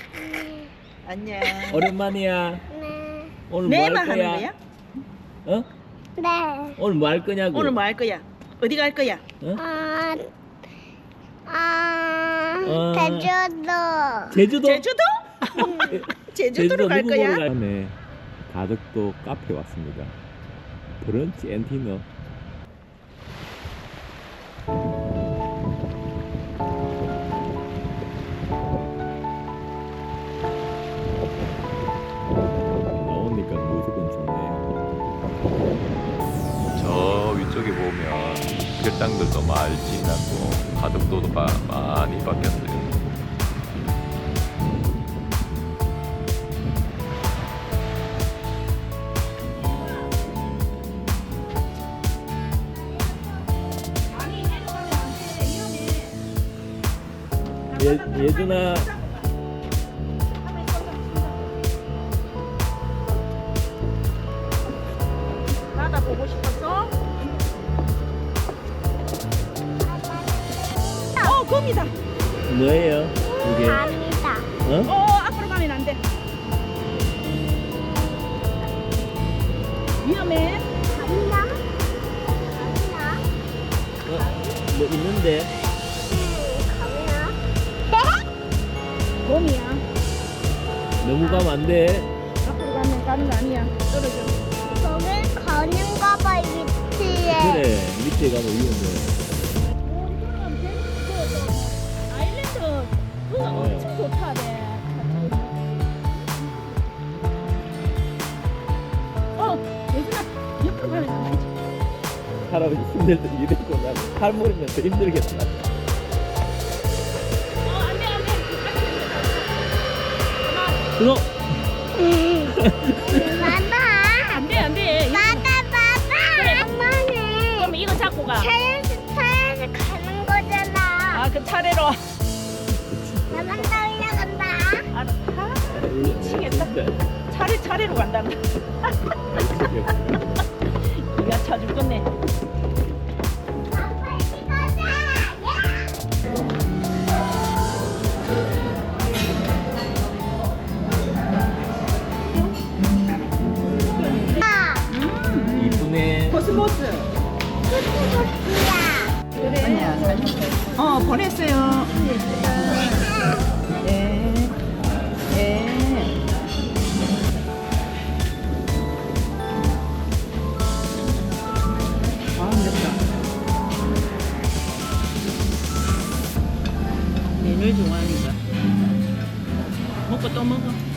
안녕. 오랜만이야. 네. 오늘 뭐 네만 할 하는 거야? 거야? 어? 네. 오늘 뭐 할 거냐고? 오늘 뭐 할 거야? 어디 갈 거야? 어? 제주도. 제주도? 제주도? 제주도로 갈 누구 보러 거야? 네, 가덕도 카페 왔습니다. 브런치 앤 디너. 나오니까 무조건 좋네요. 저 위쪽에 보면 별당들도 많이 지났고 가덕도도 많이 바뀌었어요. 예준아, 바다 보고 싶었어? 곰이다. 뭐예요? 이게? 감이다. 어? 앞으로 가면 안 돼. 위험해. 감이나? 뭐 있는데? 감이나? 곰이야. 너무 가면 안 돼. 앞으로 가면 가는 거 아니야. 떨어져. 거길 거는가 봐, 이 밑에. 그래, 밑에 가면 위험해. 아일랜드 그거 엄청 좋다네. 예준아 옆으로 가면 안 되지. 할아버지 힘들다 이랬고 난 할머니면 더 힘들겠다. 안 돼, 안 돼. 그거 봐봐. 안 돼, 안 돼. 봐봐. 엄마는 그럼 이거 잡고 가. 차에서 가는 거잖아. 아, 그 차례로. 나만 따라간다. 알았다. 미치겠다. 차례로 간다고. 네가 차줄 건네. 아빠 이리 가자. 야. 이쁘네. 코스모스. 코스모스야. 그래. 아니야, 사진. 보냈어요. 네. 네. 아, 힘들다. 얘를 좋아하니까. 먹고 또 먹어.